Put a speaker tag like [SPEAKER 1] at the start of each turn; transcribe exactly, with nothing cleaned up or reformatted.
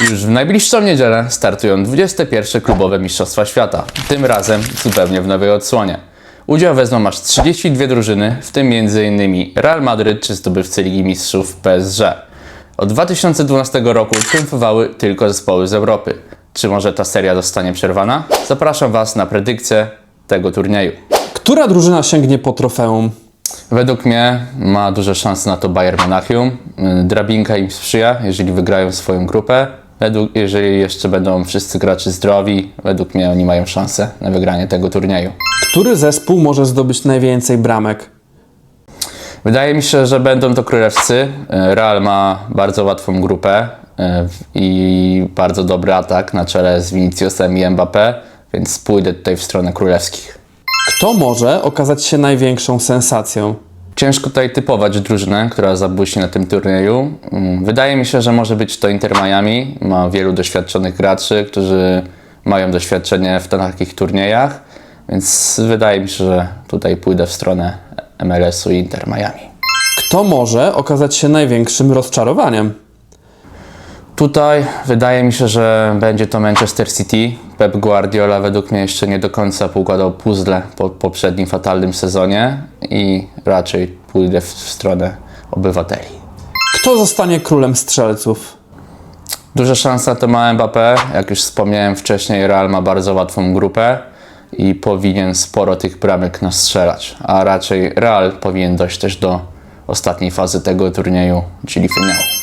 [SPEAKER 1] Już w najbliższą niedzielę startują dwudzieste pierwsze klubowe Mistrzostwa Świata, tym razem zupełnie w nowej odsłonie. Udział wezmą aż trzydzieści dwie drużyny, w tym między innymi Real Madryt czy zdobywcy Ligi Mistrzów P S G. Od dwa tysiące dwunastego roku triumfowały tylko zespoły z Europy. Czy może ta seria zostanie przerwana? Zapraszam Was na predykcję tego turnieju.
[SPEAKER 2] Która drużyna sięgnie po trofeum?
[SPEAKER 1] Według mnie ma duże szanse na to Bayern Monachium. Drabinka im sprzyja, jeżeli wygrają swoją grupę. Według, jeżeli jeszcze będą wszyscy gracze zdrowi, według mnie oni mają szansę na wygranie tego turnieju.
[SPEAKER 2] Który zespół może zdobyć najwięcej bramek?
[SPEAKER 1] Wydaje mi się, że będą to królewscy. Real ma bardzo łatwą grupę i bardzo dobry atak na czele z Viniciusem i Mbappé, więc pójdę tutaj w stronę królewskich.
[SPEAKER 2] Kto może okazać się największą sensacją?
[SPEAKER 1] Ciężko tutaj typować drużynę, która zabłyśnie na tym turnieju. Wydaje mi się, że może być to Inter Miami. Ma wielu doświadczonych graczy, którzy mają doświadczenie w takich turniejach, więc wydaje mi się, że tutaj pójdę w stronę M L S-u i Inter Miami.
[SPEAKER 2] Kto może okazać się największym rozczarowaniem?
[SPEAKER 1] Tutaj wydaje mi się, że będzie to Manchester City. Pep Guardiola według mnie jeszcze nie do końca poukładał puzzle po poprzednim fatalnym sezonie i raczej pójdę w stronę obywateli.
[SPEAKER 2] Kto zostanie królem strzelców?
[SPEAKER 1] Duża szansa to ma Mbappé. Jak już wspomniałem wcześniej, Real ma bardzo łatwą grupę i powinien sporo tych bramek nastrzelać, a raczej Real powinien dojść też do ostatniej fazy tego turnieju, czyli finału.